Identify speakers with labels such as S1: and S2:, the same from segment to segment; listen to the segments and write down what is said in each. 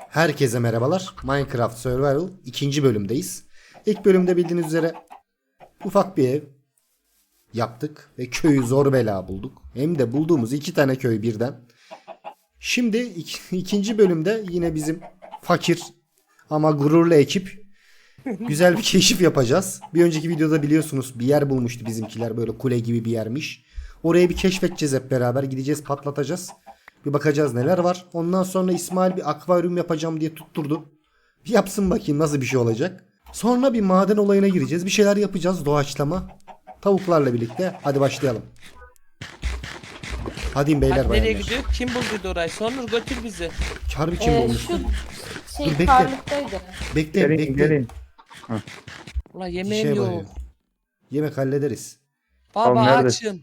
S1: Herkese merhabalar. Minecraft Survival 2. bölümdeyiz. İlk bölümde bildiğiniz üzere ufak bir ev yaptık ve köyü zor bela bulduk. Hem de bulduğumuz 2 tane köy birden. Şimdi ikinci bölümde yine bizim fakir ama gururlu ekip güzel bir keşif yapacağız. Bir önceki videoda biliyorsunuz bir yer bulmuştu bizimkiler, böyle kule gibi bir yermiş. Orayı bir keşfedeceğiz hep beraber, gideceğiz, patlatacağız. Bir bakacağız neler var. Ondan sonra İsmail bir akvaryum yapacağım diye tutturdu. Bir yapsın bakayım nasıl bir şey olacak. Sonra bir maden olayına gireceğiz. Bir şeyler yapacağız, doğaçlama. Tavuklarla birlikte. Hadi başlayalım. Hadi beyler
S2: Hadi nereye
S1: bayanlar.
S2: gidiyor? Kim bulduydu orayı? Sonur götür bizi.
S1: Harbi kim bulmuş?
S3: Şu
S1: Dur, bekle.
S3: karlıktaydı.
S1: Bekle
S4: Gelin
S1: bekle.
S4: gelin.
S2: Ulan
S1: Bir
S2: yemeğim
S1: şey
S2: yok.
S1: var ya. Yemek hallederiz.
S2: Baba
S4: nerede?
S2: açım.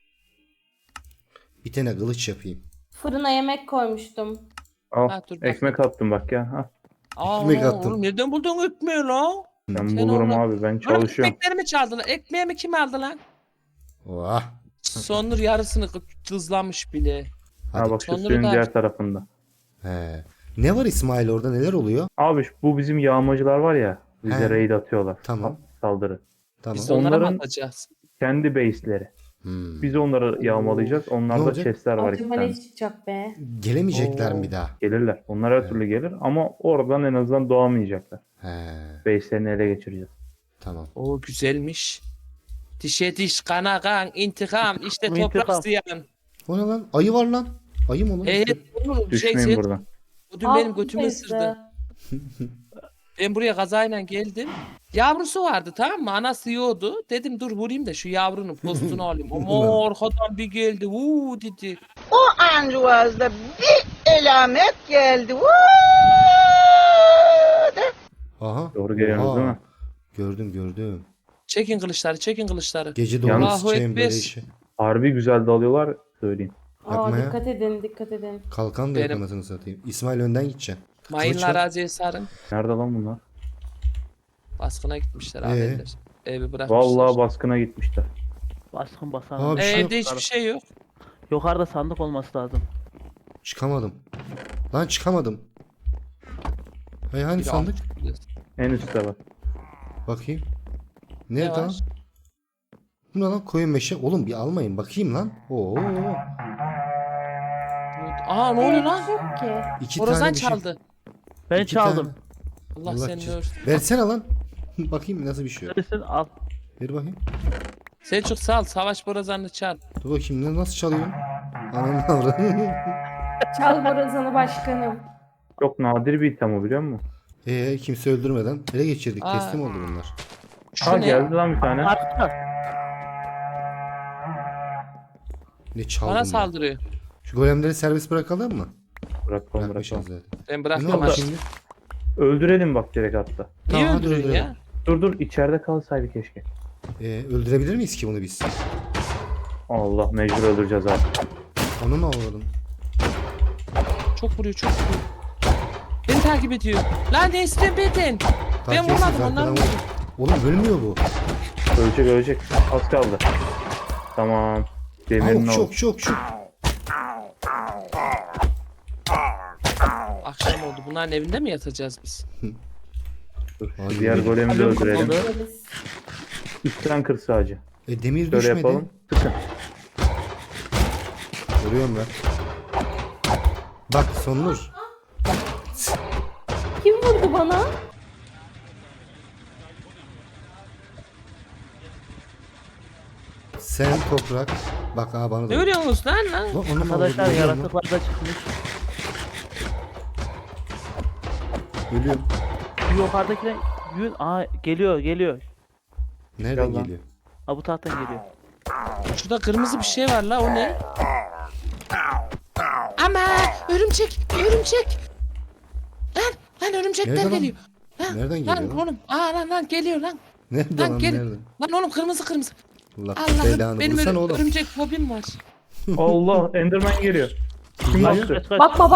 S1: Bir tane kılıç yapayım.
S3: Fırına yemek koymuştum.
S4: Al.
S2: Ha, dur bak.
S4: Ekmek attım bak ya. Ha.
S2: Aa,
S1: ekmek attın.
S2: oğlum nereden buldun ekmeği lan?
S4: Ben
S2: Sen
S4: bulurum
S2: onu-
S4: abi. Ben
S2: Oğlum
S4: çalışıyorum.
S2: ekmeklerimi çaldılar. Ekmeğimi kim aldı lan?
S1: Oha.
S2: Sonur yarısını tuzlamış bile.
S1: Hadi.
S4: Ha bak şu
S2: Sonları
S4: suyun
S2: da-
S4: diğer tarafında.
S1: He. Ne var İsmail, orada neler oluyor?
S4: Abi bu bizim yağmacılar var ya. Bize
S1: He.
S4: raid atıyorlar.
S1: Tamam.
S4: Saldırı.
S1: Tamam.
S2: Biz de onlara mı
S4: Onların-
S2: atacağız?
S4: Kendi base'leri.
S1: Hmm.
S4: Biz onları yağmalayacağız.
S1: Ne
S4: Onlarda
S1: olacak?
S4: chestler var iki
S3: Acaba
S4: tane.
S3: ne çıkacak be?
S1: Gelemeyecekler mi bir daha?
S4: Gelirler. Onlar her türlü gelir ama oradan en azından doğamayacaklar.
S1: He.
S4: Base'lerini ele geçireceğiz.
S1: Tamam.
S2: Oo güzelmiş. Dişe diş, kana kan, intikam, işte toprak
S4: İntikam.
S2: ziyan.
S1: O ne lan? Ayı var lan. Ayı mı lan?
S2: Evet, Onur şey
S4: Düşmeyin
S2: sen,
S4: buradan.
S2: o dün benim
S3: Al,
S2: götümü
S3: teyze.
S2: ısırdı. Ben buraya kazayla geldim. Yavrusu vardı, tamam mı? Anası yiyordu. Dedim dur vurayım da şu yavrunun postunu alayım. Ama arkadan bir geldi. Uuu dedi.
S5: Ancuaz'da bir elamet geldi. Vuu de.
S1: Aha.
S4: Doğru geliyorsunuz
S1: Oha.
S4: değil mi?
S1: Gördüm.
S2: Çekin kılıçları, çekin kılıçları.
S1: Gece
S4: Yalnız-
S1: doğru
S2: Allahu
S1: sıçayım böyle
S2: Ekber.
S1: işi.
S4: Harbi güzel dalıyorlar söyleyeyim.
S1: Yapma
S3: Aa,
S1: ya.
S3: dikkat edin, dikkat edin.
S1: Kalkan da yok
S2: Benim.
S1: anasını satayım. İsmail önden gideceksin.
S2: Mayınlar aziye sarın.
S4: Nerede lan bunlar?
S2: Baskına gitmişler abiler. Evi bırakmışlar.
S4: Vallahi baskına gitmişler.
S6: Baskın
S1: Aa,
S6: basan.
S1: bir şey yok.
S2: Evde hiçbir şey yok.
S6: Yukarıda sandık olması lazım.
S1: Çıkamadım. Lan çıkamadım. Hey hani
S2: Bir de
S1: sandık?
S4: En üstte var.
S1: Bakayım.
S2: Ne
S1: Nerede lan?
S2: var?
S1: Bu ne lan? Koyun meşe. Oğlum bir almayın bakayım lan. Oo.
S2: Aa ne oluyor lan?
S3: Yok ki.
S1: İki
S2: Borazan
S1: tane bir şey.
S2: çaldı.
S6: Ben
S1: İki
S6: çaldım.
S1: tane.
S2: Allah,
S1: Allah
S2: seni
S1: cez-
S2: örsün.
S1: Versene lan. Bakayım nasıl bir şey yok.
S6: Neredesin? Al.
S1: Ver bakayım.
S2: Selçuk sal, savaş borazanını çal.
S1: Dur bakayım nasıl çalıyorsun? Ananı avradını.
S3: Çal borazanı başkanım.
S4: Çok nadir bir item o biliyor musun?
S1: Kimse öldürmeden ele geçirdik.
S2: Aa.
S1: Teslim oldu bunlar.
S2: Şu
S4: Ha
S2: ne?
S4: geldi lan bir tane.
S6: Arka.
S1: Ne çaldım
S2: Bana
S1: ben?
S2: saldırıyor.
S1: Şu golemleri serbest bırakalım mı?
S4: Bırakalım
S1: Bırakmışız
S4: bırakalım.
S1: zaten.
S2: Ben
S1: Ne
S2: bıraktım
S1: oldu
S2: aşağı.
S1: şimdi?
S4: Öldürelim bak direkt hatta.
S2: Niye
S1: Tamam, hadi
S2: öldürüyorsun
S1: öldürelim.
S2: ya?
S4: Dur içeride kalsaydı keşke.
S1: Öldürebilir miyiz ki bunu biz?
S4: Allah mecbur öldüreceğiz abi.
S1: Onu mu avradın?
S2: Çok vuruyor, çok vuruyor. Beni takip ediyor. Lan ne istiyorsun benden? Ben
S1: Takip
S2: vurmadım,
S1: etsin,
S2: onlar
S1: arkadan
S2: vurdu.
S1: vur. Oğlum ölmüyor bu.
S4: Ölecek. Az kaldı. Tamam. Demirin
S1: Çok
S4: oldu.
S1: çok.
S2: Akşam oldu. Bunların evinde mi yatacağız biz?
S4: Dur, şu
S1: Ay,
S4: diğer
S1: yemin-
S4: golemi de
S6: Alo,
S4: öldürelim.
S6: kapalı.
S3: Deriz.
S4: Üstten kır sadece.
S1: Demir
S4: Şöyle
S1: düşmedi.
S4: yapalım. Sıkın.
S1: Görüyorum ben. Bak Sonur.
S3: Kim vurdu bana?
S1: Sen toprak. Bak bana da.
S2: Ne örüyorsunuz lan lan?
S1: Lan onu mu
S6: Arkadaşlar
S1: avradın?
S6: yaratıklar da çıkmış.
S1: Ölüyorum.
S6: Şu yukarıdakine yün. Aa geliyor.
S1: Nereden
S4: Gel lan.
S1: geliyor?
S6: Ha bu taraftan geliyor.
S2: Şurada kırmızı bir şey var la, o ne? Ama örümcek. Lan örümcekler
S1: Nerede lan?
S2: geliyor.
S1: Nereden
S2: Lan
S1: geliyor lan?
S2: oğlum. Lan geliyor lan.
S1: Nerede
S2: Lan
S1: lan
S2: gel.
S1: nerede?
S2: Lan oğlum kırmızı.
S1: Allah
S2: Allah'ım
S1: belanı
S2: benim
S1: vursana oğlum.
S2: örümcek fobim var.
S4: Allah Enderman geliyor. Kim
S6: Kaç
S4: bastı?
S6: kaç kaç.
S3: Bakma.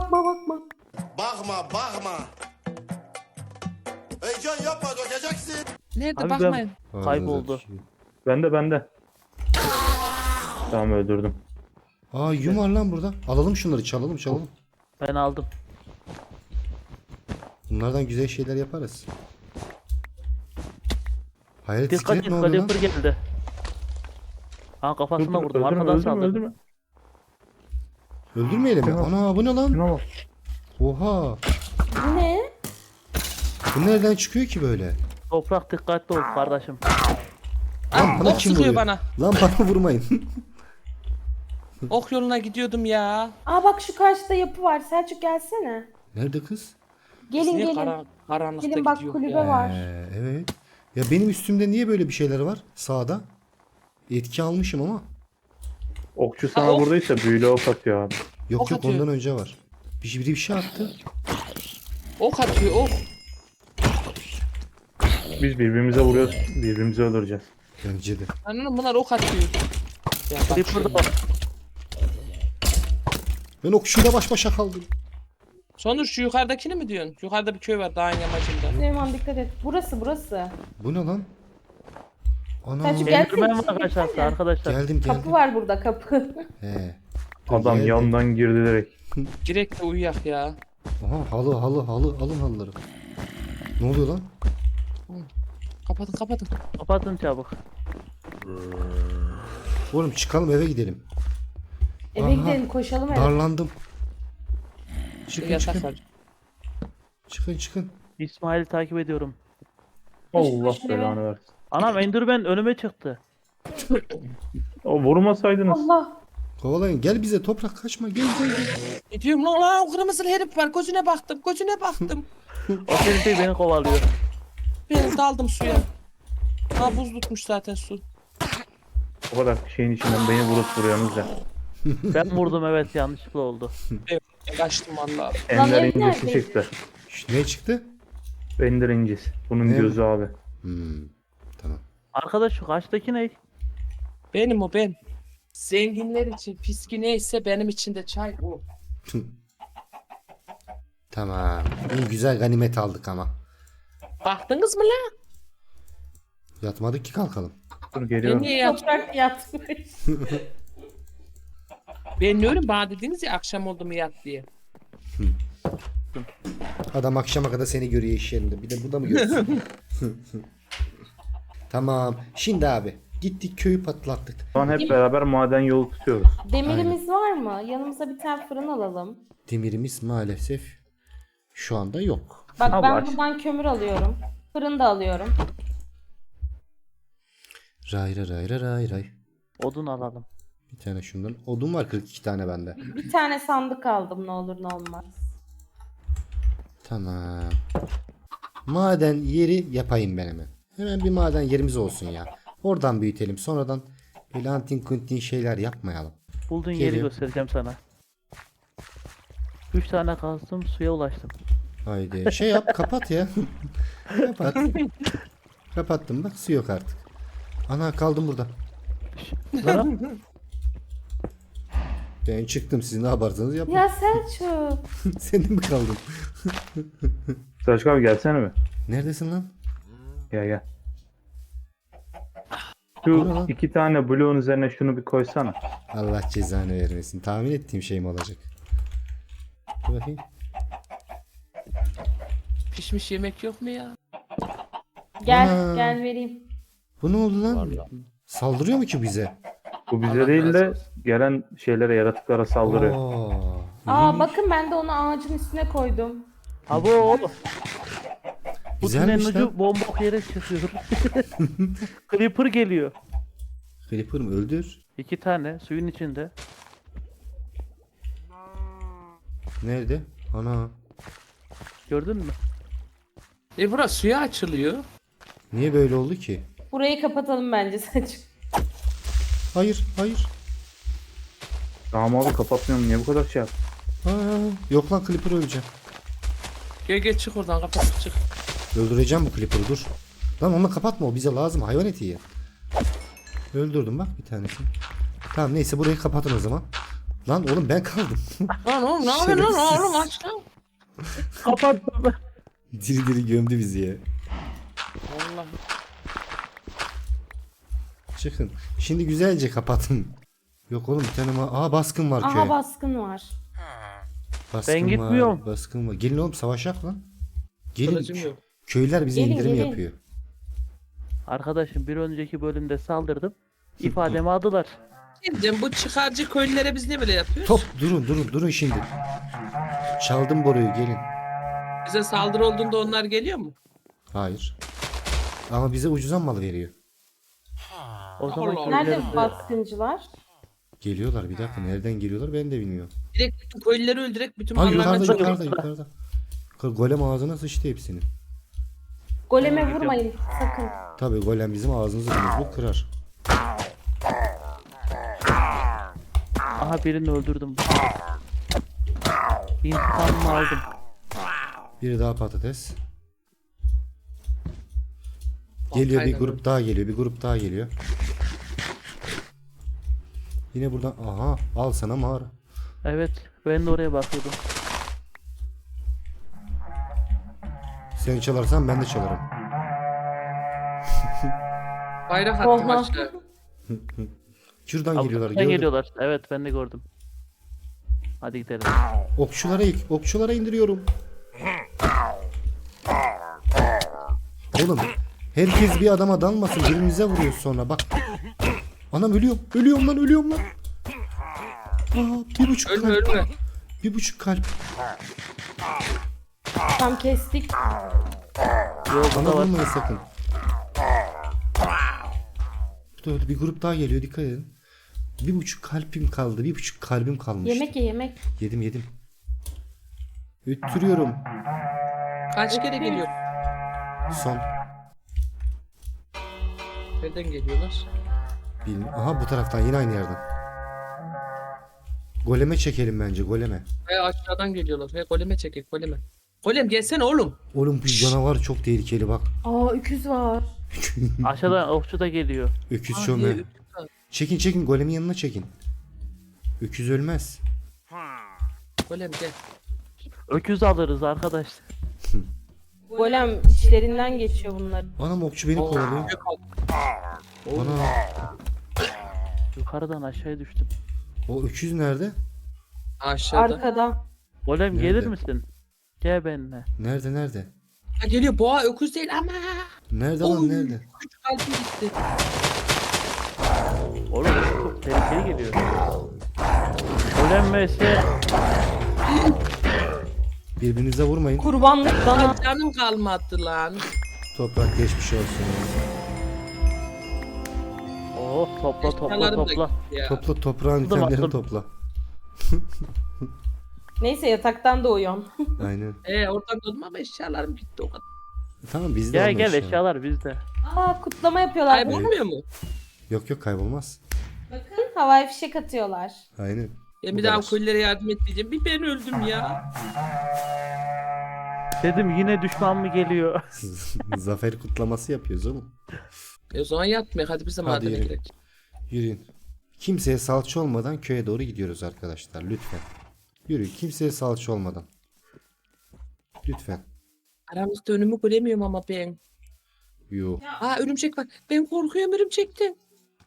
S7: Bakma. Heyecan yapma dökeceksin.
S2: Nerede
S6: Abi
S2: bakmayın.
S6: ben kayboldu.
S4: Bende. Tamam öldürdüm.
S1: Yum var lan burada. Alalım şunları, çalalım.
S6: Ben aldım.
S1: Bunlardan güzel şeyler yaparız. Hayalet
S6: Dikkat
S1: iskelet
S6: et,
S1: ne oluyor lan?
S6: Creeper geldi. Ha kafasına vurdum.
S4: öldürme,
S6: Arkadan
S4: öldürme,
S6: saldırdı.
S4: öldürme.
S1: Öldürmeyelim mi?
S4: Tamam.
S1: Ana bu ne lan?
S4: Şuna bak.
S1: Oha.
S3: Bu ne?
S1: Bu nereden çıkıyor ki böyle?
S6: Toprak dikkatli ol kardeşim.
S1: Lan bana
S2: ok
S1: kim
S2: sıkıyor
S1: vuruyor?
S2: bana.
S1: Lan bana vurmayın.
S2: Ok yoluna gidiyordum ya.
S3: Aa bak şu karşıda yapı var. Selçuk gelsene.
S1: Nerede kız?
S3: Gelin
S2: Niye
S3: gelin.
S2: karanlıkta
S3: Gelin bak
S2: gidiyor
S3: kulübe
S2: ya?
S3: var.
S1: Evet. Ya benim üstümde niye böyle bir şeyler var sağda? Etki almışım ama.
S4: Okçu sana
S2: ok.
S4: buradaysa büyülü ok atıyor abi.
S1: Yok
S2: Ok
S1: yok
S2: atıyor.
S1: ondan önce var. Biri bir şey attı.
S2: Ok atıyor ok.
S4: Biz birbirimize vuruyoruz. Birbirimizi öldüreceğiz.
S1: Bence de.
S2: Anladın bunlar ok atıyor. Ya bak
S6: Creeper da
S2: şu-
S6: var.
S1: Ben okçuyla baş başa kaldım.
S2: Sonuç şu yukarıdakini mi diyorsun? Yukarıda bir köy var dağın yamacında.
S3: Süleyman dikkat et. Burası.
S1: Bu ne lan? Ana.
S3: Selçuk gel.
S6: Enderman var aşağıda arkadaşlar.
S1: Geldim
S3: Kapı
S1: geldim.
S3: var burada kapı.
S1: He.
S4: Adam
S1: Geldi.
S4: yandan girdi direkt.
S2: Direkt de uyuyak ya.
S1: Aha halı alın halıları. Ne oluyor lan?
S2: Kapatın.
S6: Kapatın çabuk.
S1: Oğlum çıkalım eve gidelim.
S3: Eve
S1: Aha.
S3: gidelim koşalım eve.
S1: Darlandım. Çıkın
S2: Yatak
S1: çıkın.
S2: var.
S1: Çıkın.
S6: İsmail'i takip ediyorum.
S4: Allah
S3: koş,
S4: belanı versin.
S6: Anam Enderman önüme çıktı.
S4: O vurmasaydınız.
S3: Allah.
S1: Kovalayın gel bize toprak kaçma gel.
S2: Ne diyorum lan o kırmızılı herif var. Gözüne baktım.
S6: O senin beni kovalıyor.
S2: Ben daldım suya. Ha buz tutmuş zaten su.
S4: O kadar şeyin içinden beni vurup vuruyorsunuz ya.
S6: Ben vurdum evet yanlışlıkla oldu.
S2: Evet, kaçtım valla.
S4: Ender
S3: ev
S4: incisi
S3: nerede?
S4: çıktı.
S1: Ne çıktı?
S4: Ender incisi. Bunun
S1: Ne
S4: gözü abi.
S1: Tamam.
S6: Arkadaş şu karşıdaki ne?
S2: Benim o ben. Zenginler için fiski neyse benim için de çay o.
S1: Tamam. İyi güzel ganimet aldık ama.
S2: Baktınız mı lan?
S1: Yatmadık ki kalkalım.
S4: Dur
S2: Ben
S4: geliyorum.
S2: niye yat?
S3: Toprak yatmış.
S2: Ben ne öyle bana dediniz ya akşam oldu mu yat diye.
S1: Adam akşama kadar seni görüyor iş yerinde. Bir de burada mı görsün? Tamam. Şimdi abi gittik köyü patlattık.
S4: Şu an hep beraber maden yolu tutuyoruz.
S3: Demirimiz var mı? Yanımıza bir tane fırın alalım.
S1: Demirimiz maalesef şu anda yok.
S3: Bak
S4: Al
S3: ben
S4: aç.
S3: buradan kömür alıyorum. Fırın da alıyorum.
S1: Ray.
S6: Odun alalım.
S1: Bir tane şundan. Odun var 42 tane bende.
S3: Bir tane sandık aldım ne olur ne olmaz.
S1: Tamam. Maden yeri yapayım ben hemen. Hemen bir maden yerimiz olsun ya. Oradan büyütelim. Sonradan böyle antin kuntin şeyler yapmayalım.
S6: Bulduğun yeri
S1: Geliyor.
S6: göstereceğim sana. 3 tane kazdım suya ulaştım.
S1: Haydi. Şey yap kapat ya. Kapat. Kapattım bak su yok artık. Ana kaldım burada.
S6: Lan,
S1: Ben çıktım siz ne yaparsanız yapın.
S3: Ya Selçuk.
S1: Sen de mi kaldın?
S4: Selçuk abi gelsene mi?
S1: Neredesin lan?
S4: Gel.
S1: Bu ne
S4: Şu
S1: lan?
S4: 2 tane bloğun üzerine şunu bir koysana.
S1: Allah cezanı vermesin. Tahmin ettiğim şey mi olacak? Dur bakayım.
S2: Pişmiş yemek yok mu ya?
S3: Gel
S1: Ana.
S3: gel vereyim.
S1: Bu ne oldu lan? Saldırıyor mu ki bize?
S4: Bu bize
S2: Allah
S4: değil
S2: razı
S4: de
S2: olsun.
S4: gelen şeylere, yaratıklara saldırıyor.
S3: Aa bakın ben de onu ağacın üstüne koydum.
S6: abo. Bu
S1: Güzelmiş
S6: tünelin
S1: lan.
S6: ucu bombok yere çıkıyor. Creeper geliyor.
S1: Creeper mı? Öldür.
S6: 2 tane suyun içinde.
S1: Nerede? Ana.
S6: Gördün mü?
S2: Burası suya açılıyor.
S1: Niye böyle oldu ki?
S3: Burayı kapatalım bence Selçuk.
S1: Hayır.
S4: Tamam abi kapatmıyorum. Niye bu kadar şey yap?
S1: Yok lan Creeper öleceğim.
S2: Gel çık oradan kapat çık.
S1: Öldüreceğim bu Creeper'ı dur. Lan onu kapatma o bize lazım hayvan eti ya. Öldürdüm bak bir tanesini. Tamam neyse burayı kapatın o zaman. Lan oğlum ben kaldım.
S2: Lan oğlum ne yapıyorsun lan oğlum aç lan.
S6: Kapattım.
S1: Diri gömdü bizi ya.
S2: Vallahi.
S1: Çıkın. Şimdi güzelce kapatın. Yok oğlum bir tane baskın var köye.
S3: Aha baskın var.
S1: Baskın
S6: Ben gitmiyorum.
S1: Var, baskın var. Gelin oğlum savaşak lan. Gelin.
S2: Kılıcım yok.
S1: Köylüler bize
S3: Gelin,
S1: indirim
S3: gelin.
S1: yapıyor.
S6: Arkadaşım bir önceki bölümde saldırdım. İfademi aldılar.
S2: Diyeceğim, bu çıkarcı köylülere biz ne böyle yapıyoruz?
S1: Top durun şimdi. Çaldım boruyu gelin.
S2: Bize saldırı olduğunda onlar geliyor mu?
S1: Hayır. Ama bize ucuzan mal veriyor.
S6: O zaman
S2: Allah Allah.
S3: Nerede
S6: köylerimize-
S3: baskıncılar?
S1: Geliyorlar bir dakika. Nereden geliyorlar ben de bilmiyorum.
S2: Direkt bütün köylüleri öldürerek bütün
S1: Ha
S2: mallardan
S1: yukarıda. Golem ağzına sıçtı hepsini.
S3: Goleme vurmayın sakın.
S1: Tabii golem bizim ağzımızı burnumuzu kırar.
S6: Aha birini öldürdüm. İntikamımı aldım.
S1: Biri daha patates. Geliyor bir
S2: Aynen
S1: grup daha geliyor. Bir grup daha geliyor. Yine buradan aha al sana mağara.
S6: Evet ben de oraya bakıyordum.
S1: Sen çalarsan ben de çalarım.
S2: bayrak attım
S3: Oha.
S2: aşağı.
S1: Şuradan geliyorlar.
S6: Avukattan
S1: Gördüm.
S6: geliyorlar. Evet ben de gördüm. Hadi gidelim.
S1: Okçulara indiriyorum. Oğlum herkes bir adama dalmasın. Birbirimize vuruyoruz sonra bak. Anam ölüyorum. Ölüyorum lan. Aa, 1,5
S2: Ölme
S1: kalp.
S2: ölme.
S1: 1,5 kalp.
S3: Tam kestik.
S6: Yok
S1: Bana
S6: burada var.
S1: vurmayın sakın. Bu da öldü. Bir grup daha geliyor dikkat edin. 1,5 kalbim kaldı. 1,5 kalbim kalmıştı.
S3: Yemek ye yemek.
S1: Yedim. Üttürüyorum.
S2: Kaç kere geliyor?
S1: Son.
S2: Nereden geliyorlar?
S1: Aha bu taraftan yine aynı yerden. Goleme çekelim bence goleme.
S2: Ve aşağıdan geliyorlar. Ve goleme çekek goleme. Golem gelsene oğlum.
S1: Oğlum bu canavar çok tehlikeli bak.
S3: Aa öküz var.
S6: Aşağıdan okçu da geliyor.
S1: Öküz
S2: Aa,
S1: çöme.
S2: niye-
S1: Çekin golemin yanına çekin. Öküz ölmez.
S2: Golem gel.
S6: Öküz alırız arkadaşlar.
S3: Golem içlerinden geçiyor bunların.
S1: Anam okçu beni kovalıyor.
S2: Gök al.
S1: Ana
S6: Yukarıdan aşağıya düştüm.
S1: o öküz nerede?
S2: Aşağıda.
S3: Arkada.
S6: Golem
S1: Nerede?
S6: gelir misin? Gel benimle.
S1: Nerede?
S2: Ha, geliyor boğa öküz değil ama.
S1: Nerede
S2: Oy.
S1: lan nerede?
S2: Küçük kalbim gitti.
S6: Oğlum çok tehlikeli geliyor. Golem vs.
S1: Birbirinize vurmayın.
S3: Kurbanlık dana.
S2: Ay, canım kalmadı lan.
S1: Toprak geçmiş olsun.
S6: Oh topla
S2: Eşyalarım da
S6: topla.
S2: gitti ya.
S1: Topla toprağın
S6: Dur
S1: itemlerini
S6: baktım.
S1: topla.
S3: Neyse yataktan doğuyorum.
S1: Aynen.
S2: Oradan döndüm ama eşyalarım gitti o kadar.
S1: Tamam bizde
S6: Gel
S1: olma
S6: gel
S1: eşya.
S6: eşyalar bizde.
S3: Aa kutlama yapıyorlar.
S2: Kaybolmuyor mu?
S1: Yok kaybolmaz.
S3: Bakın havai fişek atıyorlar.
S1: Aynen.
S2: Ben
S1: Bu
S2: bir daha
S1: kadar.
S2: köylere yardım etmeyeceğim. Bir ben öldüm ya.
S6: Dedim yine düşman mı geliyor?
S1: Zafer kutlaması yapıyoruz oğlum.
S2: O zaman yatmaya hadi biz de
S1: Hadi
S2: madene
S1: yürü.
S2: girelim.
S1: Yürüyün. Kimseye salça olmadan köye doğru gidiyoruz arkadaşlar lütfen. Yürü kimseye salça olmadan. Lütfen.
S2: Aramızda önümü göremiyorum ama ben.
S1: Yo.
S2: Aa örümcek var. Ben korkuyorum örümcekten.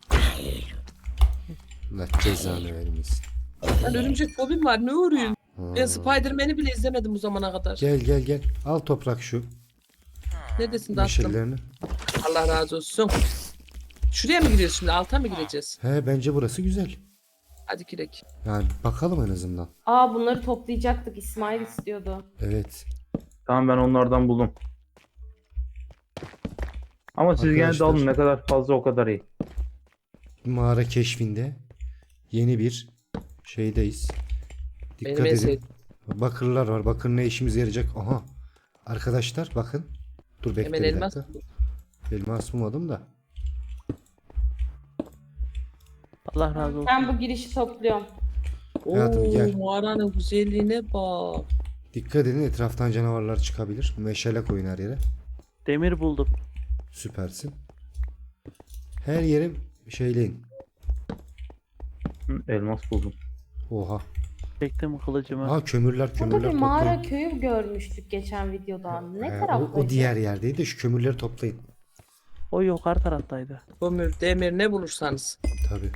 S1: Allah cezanı vermesin.
S2: Ben örümcek fobim var ne örüyorsun?
S1: Ha.
S2: Ben Spider-Man'i bile izlemedim bu zamana kadar.
S1: Gel. Al toprak şu.
S2: Neredesin tatlım?
S1: Meşallerini.
S2: Allah razı olsun. Şuraya mı giriyoruz şimdi? Alta mı gireceğiz?
S1: He bence burası güzel.
S2: Hadi girek.
S1: Yani bakalım en azından.
S3: Aa bunları toplayacaktık. İsmail istiyordu.
S1: Evet.
S4: Tamam ben onlardan buldum. Ama siz gene de
S1: Arkadaşlar.
S4: alın ne kadar fazla o kadar iyi.
S1: Mağara keşfinde yeni bir şeydeyiz.
S2: Benim
S1: Dikkat
S2: en
S1: edin.
S2: sevdiğim.
S1: Bakırlar var. Bakır ne işimize yarayacak? Aha. Arkadaşlar bakın. Dur bekle
S2: Hemen
S1: bir
S2: elmas.
S1: dakika. Elmas bulmadım da.
S6: Allah razı olsun.
S3: Ben bu girişi topluyorum.
S1: Hayatım, gel.
S2: Mağaranın güzelliğine bak.
S1: Dikkat edin etraftan canavarlar çıkabilir. Meşale koyun her yere.
S6: Demir buldum.
S1: Süpersin. Her yere şeyleyin.
S4: Hı, elmas buldum.
S1: Oha.
S6: Çektim kılıcımı.
S1: Aha kömürler
S3: Burada bir mağara
S1: toplayın.
S3: köyü görmüştük geçen videoda. Ne
S1: He,
S3: taraftaydı?
S1: o diğer yerdeydi de şu kömürleri toplayın.
S6: O yukarı taraftaydı.
S2: Kömür, demir ne bulursanız.
S1: Tabi.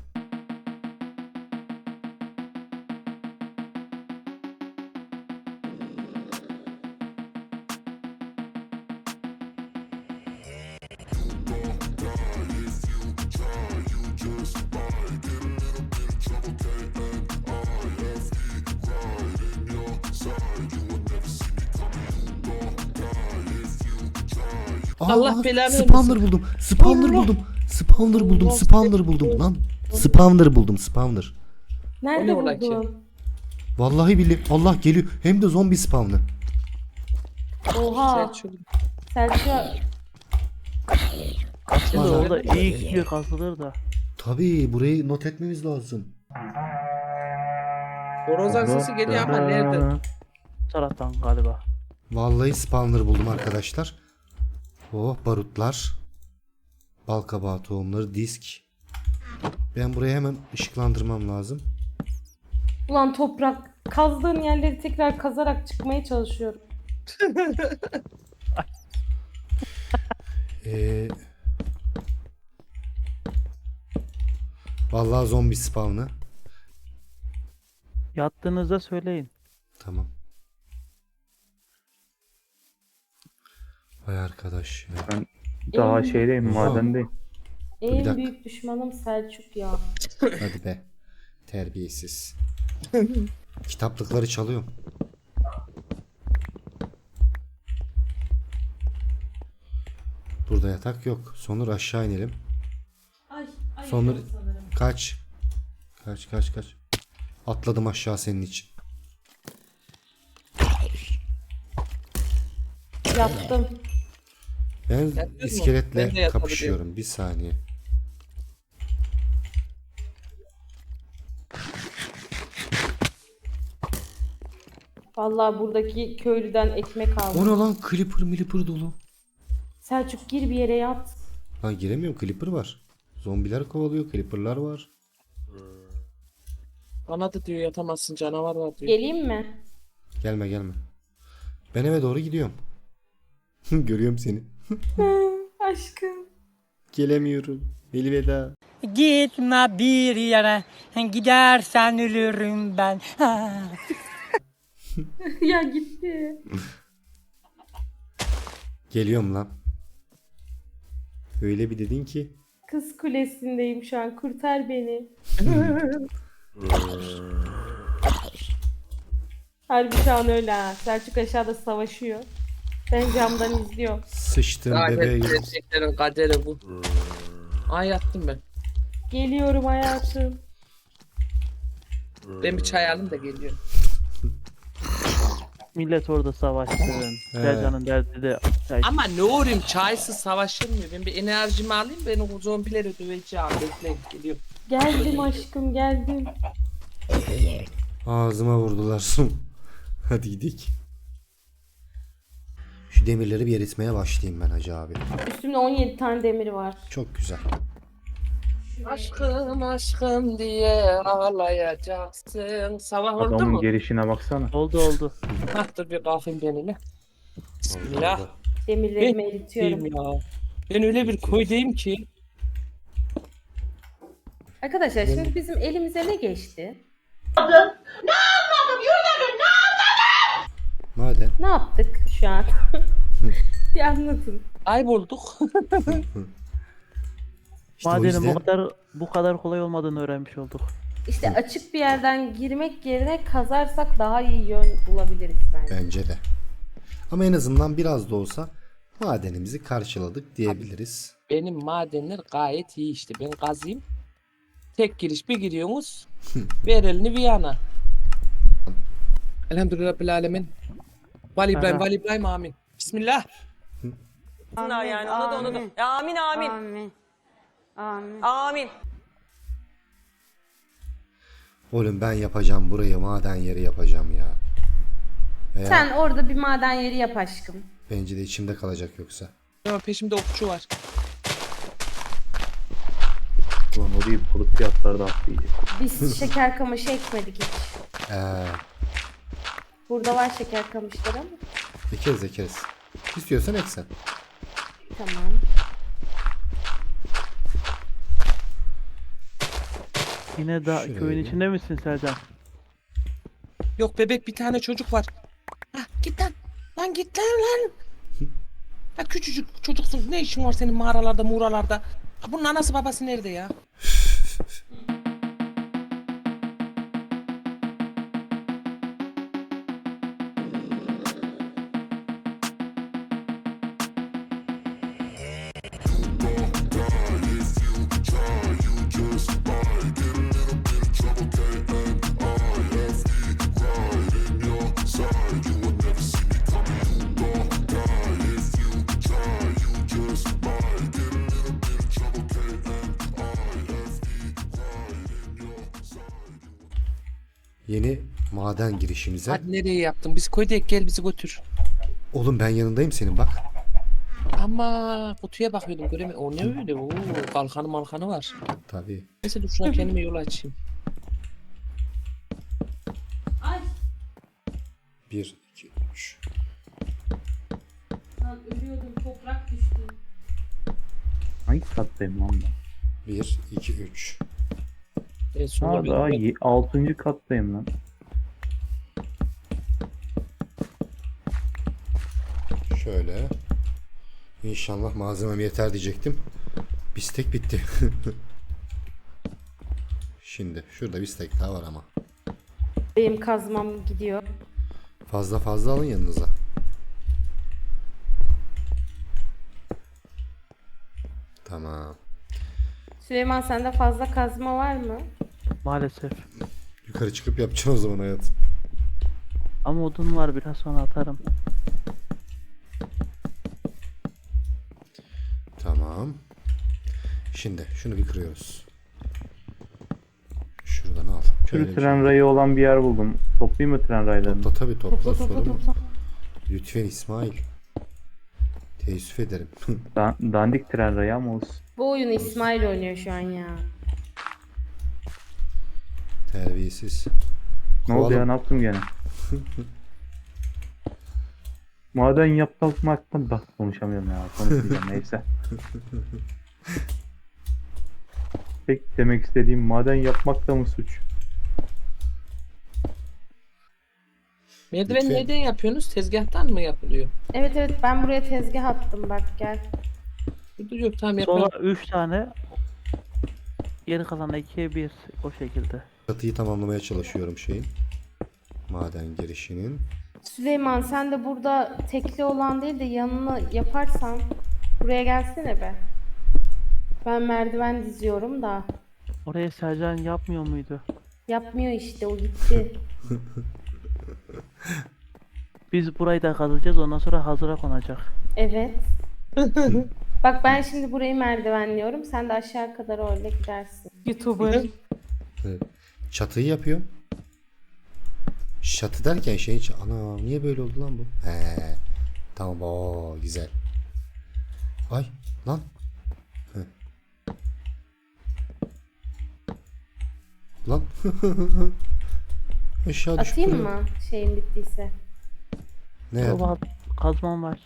S2: Allah belanı
S1: Spawner
S2: vermesin.
S1: buldum. Spawner
S2: Allah.
S1: buldum. Spawner buldum.
S2: Allah.
S1: Spawner buldum lan. Spawner buldum. Spawner.
S3: Nerede
S2: O ne ola ki?
S3: buldun?
S1: Vallahi billahi. Allah geliyor. Hem de zombi spawn'ı.
S3: Oha.
S2: Selçuk.
S3: Selçuk.
S6: Şimdi
S1: Vallahi.
S6: orada iyi kişiye kazılır da.
S1: Tabii burayı not etmemiz lazım.
S2: Horozan sesi geliyor ama nerede?
S6: Bu taraftan galiba.
S1: Vallahi spawner buldum arkadaşlar. Oh barutlar. Balkabağı tohumları, disk. Ben buraya hemen ışıklandırmam lazım.
S3: Ulan toprak. Kazdığın yerleri tekrar kazarak çıkmaya çalışıyorum.
S1: Vallahi zombi spawn'ı.
S6: Yattığınızda söyleyin.
S1: Tamam. Vay arkadaş ya.
S4: Daha şeydeyim, madendeyim.
S1: bir
S3: En
S1: dakika.
S3: büyük düşmanım Selçuk ya.
S1: Hadi be. Terbiyesiz. Kitaplıkları çalıyorum. Burada yatak yok. Sonur aşağı inelim. Sonur kaç. Kaç. Atladım aşağı senin için.
S3: Yattım.
S1: Ben
S2: Yatıyor mu? Ben de
S1: iskeletle
S2: yatabiliyorum.
S1: kapışıyorum. Bir saniye.
S3: Vallahi buradaki köylüden ekmek
S1: O
S3: aldım.
S1: ne lan? Clipper dolu.
S3: Selçuk gir bir yere yat.
S1: Lan giremiyorum. Clipper var. Zombiler kovalıyor. Clipper'lar var.
S2: Bana da diyor yatamazsın canavar var diyor.
S3: Geleyim mi?
S1: Gelme. Ben eve doğru gidiyorum. Görüyorum seni.
S3: Aşkım.
S1: Gelemiyorum. Elveda.
S7: Gitme bir yere, gidersen ölürüm ben.
S3: Ya gitti.
S1: Geliyorum lan. Öyle bir dedin ki.
S3: Kız kulesindeyim şu an. Kurtar beni. Harbi şu an öyle ha. Selçuk aşağıda savaşıyor. Ben camdan izliyorum.
S1: Sıçtım
S2: Lanet
S1: bebeğim.
S2: gerçeklerin kaderi bu. Ay yattım ben.
S3: Geliyorum hayatım.
S2: Ben bir çay alayım da geliyorum.
S6: Millet orada savaşsın. Sercan'ın derdi de çay.
S2: Ama ne uğrayayım çaysız savaşılmıyor. Ben bir enerjimi alayım ben o zombileri döveceğim. Bekleyin geliyorum.
S3: Geldim aşkım geldim.
S1: Ağzıma vurdular. Hadi gidelim. Şu demirleri bir eritmeye başlayayım ben hacı abi.
S3: Üstümde 17 tane demir var.
S1: Çok güzel.
S2: Aşkım diye ağlayacaksın. Sabah oldu
S4: Adamın
S2: mu?
S4: gelişine baksana.
S6: Oldu.
S2: Hah dur bir kalkayım benimle. Bismillah.
S3: Demirlerimi eritiyorum.
S2: Ya. Ben öyle bir koydayım ki.
S3: Arkadaşlar şimdi bizim elimize ne geçti?
S1: Maden.
S3: Ne yaptık şu an? Bir anlatın.
S2: Kaybolduk.
S1: İşte o
S6: Madenin
S1: yüzden
S6: bu kadar kolay olmadığını öğrenmiş olduk.
S3: İşte açık bir yerden girmek yerine kazarsak daha iyi yön bulabiliriz bence.
S1: bence de. Ama en azından biraz da olsa madenimizi karşıladık diyebiliriz.
S2: Benim madenler gayet iyi işte. Ben kazayım. Tek giriş bir giriyorsunuz. Ver elini bir yana. Elhamdülillah Rabbil Alemin. Vali İbrahim,
S6: Aha.
S2: Vali İbrahim amin. Bismillah.
S7: Yani ona da. Amin amin. Amin.
S1: Oğlum ben yapacağım burayı maden yeri yapacağım ya. Veya
S3: Sen orada bir maden yeri yap aşkım.
S1: bence de içimde kalacak yoksa.
S2: Ama peşimde okçu var.
S4: Ulan orayı bulut fiyatları da atlayacak.
S3: Biz şeker kamışı ekmedik hiç.
S1: Ee,
S3: Burada var şeker kamışları ama.
S1: ekeriz. İstiyorsan eksen.
S3: Tamam.
S6: Yine da
S1: Şöyle.
S6: köyün içinde misin Sercan?
S2: Yok bebek bir tane çocuk var. Hah git lan. Lan git lan. Ya küçücük çocuksun. Ne işin var senin mağaralarda, muğralarda? Ha, bunun anası babası nerede ya?
S1: Yeni maden girişimize.
S2: Hadi nereye yaptın? Biz koyduk, gel bizi götür.
S1: Oğlum ben yanındayım senin bak.
S2: Ama kutuya bakıyordum göremiyorum. O ne öyle? Oo, kalkanı malkanı var.
S1: Tabii.
S2: Neyse dur şuna kendime yol açayım.
S1: 1, 2, 3.
S3: Lan ölüyordum, toprak düştü.
S4: Hangi kattayım lan ben?
S1: 1, 2, 3.
S2: En sonunda
S4: Ha
S2: bir-
S4: daha 6. kattayım lan.
S1: Şöyle. İnşallah malzemem yeter diyecektim. Bistek bitti. Şimdi şurada bistek daha var ama.
S3: Benim kazmam gidiyor.
S1: Fazla fazla alın yanınıza. Tamam.
S3: Süleyman sende fazla kazma var mı?
S6: Maalesef.
S1: Yukarı çıkıp yapacağım o zaman hayatım.
S6: Ama odun var, biraz sonra atarım.
S1: Tamam. Şimdi şunu bir kırıyoruz. Şuradan al.
S4: Şöyle
S1: Şöyle
S4: tren rayı olan bir yer buldum. Toplayayım mı tren raylarını?
S1: Topla tabii topla,
S3: Topla
S1: sorun
S3: topla
S1: mu?
S3: topla.
S1: Lütfen İsmail. Teessüf ederim.
S4: Dandik tren rayı ama olsun.
S3: Bu oyunu İsmail oynuyor şu an ya.
S1: Terbiyesiz.
S4: Ne oldu ya,
S1: Kovalım.
S4: ne yaptım gene? Maden yapmaktan bak konuşamıyorum ya, konuşmayacağım neyse. Tek demek istediğim, maden yapmak da mı suç?
S2: Merdiven
S1: Lütfen.
S2: nereden yapıyorsunuz? Tezgahtan mı yapılıyor?
S3: Evet evet, ben buraya tezgah attım, bak gel.
S2: Dur yok tamam yapalım.
S6: Sonra 3 tane. Geri kalan 2'ye 1 o şekilde.
S1: Çatıyı tamamlamaya çalışıyorum şeyin. Maden girişinin.
S3: Süleyman sen de burada tekli olan değil de yanına yaparsan buraya gelsene be. Ben merdiven diziyorum da.
S6: Oraya Sercan yapmıyor muydu?
S3: Yapmıyor işte, o gitti.
S6: Biz burayı da kazacağız, ondan sonra hazıra konacak.
S3: Evet. Bak ben şimdi burayı merdivenliyorum. Sen de aşağı kadar öyle gidersin. YouTuber.
S1: Evet. Çatıyı yapıyorum. Çatı derken şeyin ana niye böyle oldu lan bu? He. Tamam o güzel. Ay lan. He. Lan. Aşağı düşüp
S3: Atayım
S1: duruyor.
S3: mı şeyin bittiyse?
S1: Ne yapayım?
S6: Baba kazmam var.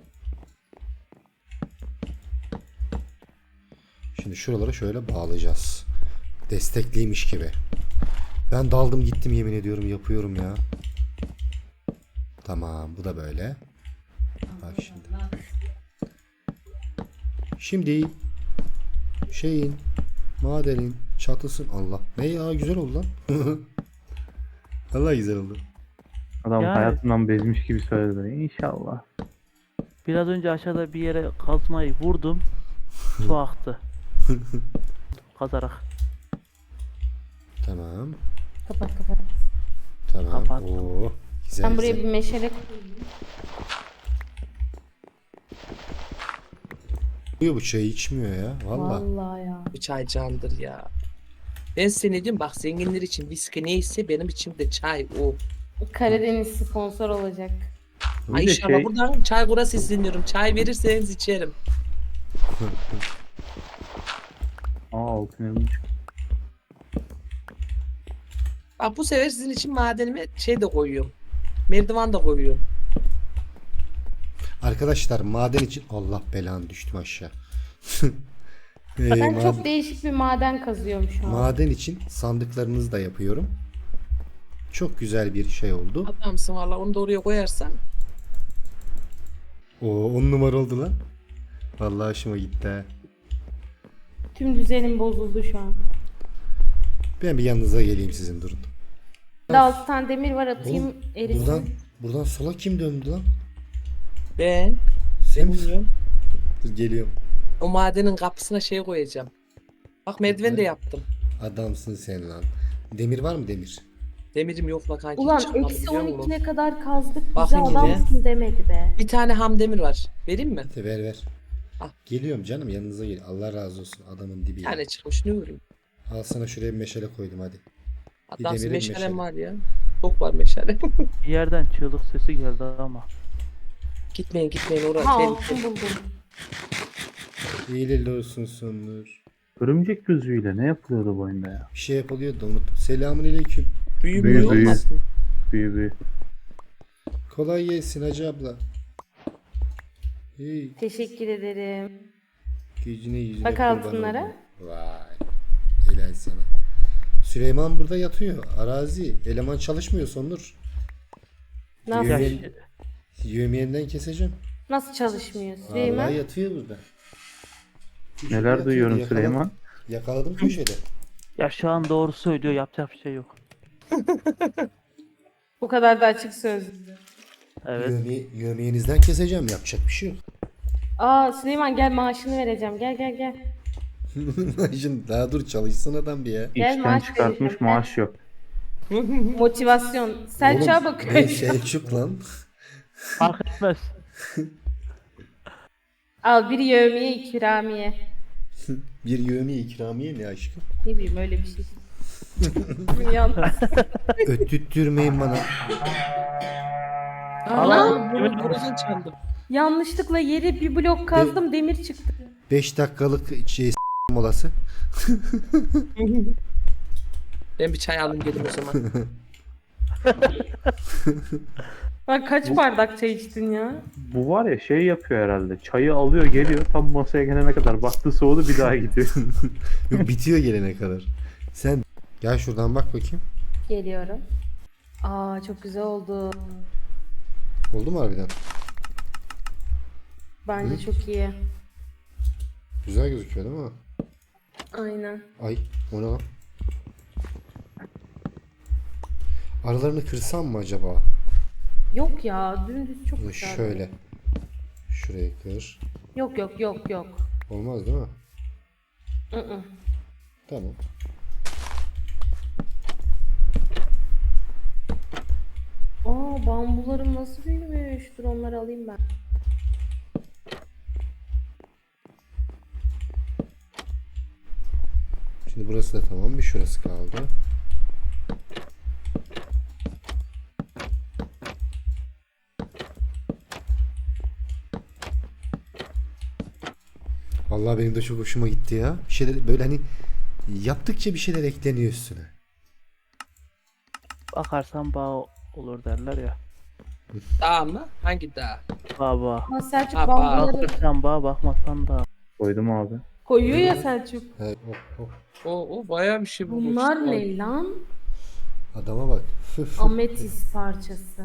S1: Şimdi şuralara şöyle bağlayacağız. Destekliymiş gibi. Ben daldım gittim yemin ediyorum yapıyorum ya. Tamam bu da böyle. Bak şimdi. Şimdi şeyin madenin çatısın Allah. Ne ya güzel oldu lan. Allah güzel oldu.
S4: Adam
S6: Yani-
S4: hayatından bezmiş gibi söyledi. İnşallah.
S6: Biraz önce aşağıda bir yere kazmayı vurdum. Su aktı. Kazarak.
S1: Tamam.
S3: Kapat kapat.
S1: Tamam.
S6: Kapat.
S1: Oo, güzel
S3: Ben buraya
S1: güzel.
S3: bir meşale koyayım.
S1: Diyor bu çayı içmiyor ya. Valla.
S3: Vallahi ya.
S2: Bu çay candır ya. Ben seni diyorum bak zenginler için viski neyse benim için de çay o.
S3: Karadeniz sponsor olacak.
S4: Bir
S2: Ay
S4: de
S2: inşallah
S4: şey-
S2: buradan çay kura sesleniyorum. Çay verirseniz içerim.
S4: Altın elma çıktı.
S2: Bak bu sefer sizin için madenime şey de koyuyorum. Merdiven de koyuyorum.
S1: Arkadaşlar maden için Allah belanı düştüm aşağı.
S3: Ben
S1: Maden-
S3: çok değişik bir maden kazıyorum şu an.
S1: Maden için sandıklarınızı da yapıyorum. Çok güzel bir şey oldu.
S2: Adamsın valla onu da oraya koyarsan.
S1: O 10 numara oldu lan. Vallahi hoşuma gitti ha.
S3: Tüm düzenim bozuldu şu an.
S1: Ben bir yanınıza geleyim sizin durun.
S3: Burada 6 tane demir var, atayım
S1: Oğlum,
S3: erisin.
S1: buradan sola kim döndü lan?
S2: Ben
S1: Sen
S2: bilmiyorum.
S1: Dur geliyorum.
S2: O madenin kapısına şey koyacağım. Bak merdiven de yaptım.
S1: Adamsın sen lan. Demir var mı demir?
S2: Demirim yok la kanki.
S3: Ulan
S2: çıkmadı
S3: eksi
S2: biliyor musun?
S3: 12'ne kadar kazdık. Bize
S2: Bakın yine.
S3: adamsın demedi be.
S2: Bir tane ham demir var. Vereyim mi?
S1: Hadi ver.
S2: Al.
S1: Geliyorum canım yanınıza gel. Allah razı olsun adamın dibi.
S2: Bir
S1: ya.
S2: tane çıkmış ne vurayım?
S1: Al sana şuraya bir meşale koydum hadi.
S2: Hatta
S1: deneyelim
S2: meşalem
S1: meşale.
S2: var ya. Çok var meşale.
S6: Bir yerden çığlık sesi geldi ama.
S2: Gitmeyin oraya.
S3: Ha
S2: Tehlikeli.
S3: altın buldum.
S1: İyileli olsun sonlar.
S4: Örümcek gözüyle ne yapılıyordu bu oyunda ya?
S1: Bir şey yapılıyor da unuttum. Selamünaleyküm.
S2: Büyü
S4: Büyü,
S2: büyü
S4: büyü.
S2: olmasın.
S4: Büyü.
S1: Kolay gelsin hacı abla. Hey,
S3: Teşekkür ederim.
S1: yüzüne
S3: Bak
S1: kurban
S3: altınlara.
S1: oldum. Vay. Helal sana. Süleyman burada yatıyor. Arazi. Eleman çalışmıyor Sonur.
S3: Nasıl,
S6: Ya,
S1: Yemin- Yövmiyenden keseceğim.
S3: nasıl çalışmıyor
S1: Vallahi
S3: Süleyman?
S1: yatıyor burada. Köşede
S4: Neler
S1: yatıyor,
S4: duyuyorum
S1: yakaladım.
S4: Süleyman?
S1: Yakaladım köşede.
S6: ya şu an doğru söylüyor, yapacak bir şey yok.
S3: Bu kadar da açık sözlü.
S6: Evet.
S1: Yövmiyenizden keseceğim. Yapacak bir şey yok.
S3: Aa Süleyman gel maaşını vereceğim. Gel.
S1: Şimdi daha dur çalışsın adam bir ya.
S3: Gel,
S4: İşten
S3: maaş
S4: çıkartmış
S3: vereceğim.
S4: maaş yok.
S3: Motivasyon. Selçuk'a
S1: Oğlum,
S3: bakıyor.
S1: ne Selçuk lan.
S6: Fark etmez.
S3: Al bir yevmiye ikramiye.
S1: Bir yövmiye ikramiye ne aşkım?
S3: Ne bileyim öyle bir şey. Yalnız.
S1: Öttürtmeyin bana.
S2: Aa, bunu koruzun çaldım.
S3: Yanlışlıkla yeri bir blok kazdım demir çıktı.
S1: 5 dakikalık molası.
S2: Ben bir çay alayım gelin o zaman.
S3: Bak kaç bardak çay içtin ya?
S4: Bu var ya şey yapıyor herhalde. Çayı alıyor geliyor tam masaya gelene kadar. Baktı soğudu bir daha gidiyor.
S1: Yok, bitiyor gelene kadar. Sen gel şuradan bak bakayım.
S3: Geliyorum. Aa çok güzel oldu.
S1: Oldu mu harbiden?
S3: Bence çok iyi.
S1: Güzel gözüküyor değil mi?
S3: Aynen.
S1: Ay o ne lan? Aralarını kırsam mı acaba?
S3: Yok ya dümdüz çok
S1: Bunu
S3: güzel.
S1: şöyle. Şurayı kır.
S3: Yok.
S1: Olmaz değil mi?
S3: I-ı.
S1: Tamam.
S3: Aa bambularım nasıl büyümüş. Dur onları alayım ben.
S1: Şimdi burası da tamam. Bir şurası kaldı. Vallahi benim de çok hoşuma gitti ya. Bir şeyler böyle hani yaptıkça bir şeyler ekleniyor üstüne.
S6: Bakarsan bağ olur derler ya.
S2: Dağ mı? Hangi dağ?
S6: Bağ.
S3: Ama Selçuk
S2: Aa,
S3: bambuları
S6: Bakırsan bağ, bakmazsan da.
S4: Koydum abi.
S3: koyuyor ya Selçuk.
S1: He, hop, hop.
S2: O bayağı bir şey bulmuş.
S3: Bunlar ne lan?
S1: Adama bak.
S3: Ametis parçası.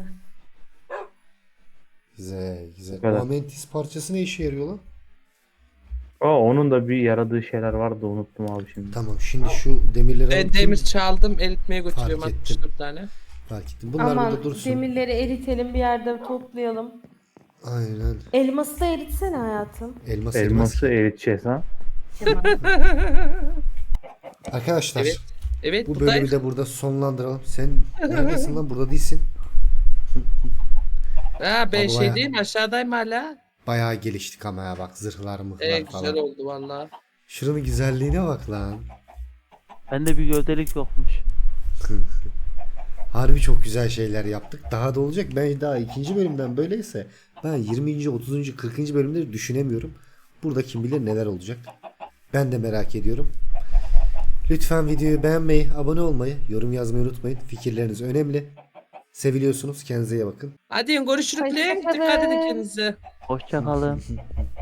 S1: Güzel güzel.
S4: kadar.
S1: O Amentis parçası ne işe yarıyor lan?
S4: Aa onun da bir yaradığı şeyler vardı unuttum abi şimdi.
S1: Tamam şimdi şu demirleri
S2: Ben
S1: alıp
S2: demir çaldım, eritmeye götürüyorum
S1: Fark ettim.
S2: 64 tane.
S1: fark ettim. Bunlar
S3: Aman
S1: burada dursun.
S3: demirleri eritelim bir yerde toplayalım.
S1: Aynen.
S3: Elması da eritsene hayatım.
S1: Elmas elmas.
S4: Elması eriteceğiz ha.
S3: Kemal.
S1: Arkadaşlar
S2: Evet. Evet,
S1: bu
S2: buradayız.
S1: bölümü de burada sonlandıralım. Sen neredesin lan? Burada değilsin.
S2: Ha ben
S1: Abi
S2: şey
S1: bayağı-
S2: değilim, aşağıdayım hala.
S1: Bayağı geliştik ama ya bak zırhlar mıhlar
S2: Güzel
S1: falan.
S2: oldu valla.
S1: Şuranın güzelliğine bak lan.
S6: Bende bir gövdelik yokmuş.
S1: Harbi çok güzel şeyler yaptık. Daha da olacak. Ben daha ikinci bölümden böyleyse ben 20. 30. 40. bölümleri düşünemiyorum. Burada kim bilir neler olacak. Ben de merak ediyorum. Lütfen videoyu beğenmeyi, abone olmayı, yorum yazmayı unutmayın. Fikirleriniz önemli. Seviliyorsunuz. Kendinize iyi bakın.
S2: Hadi görüşürüz.
S3: Hoşça
S2: Dikkat edin
S3: kalın.
S2: kendinize.
S6: Hoşça kalın.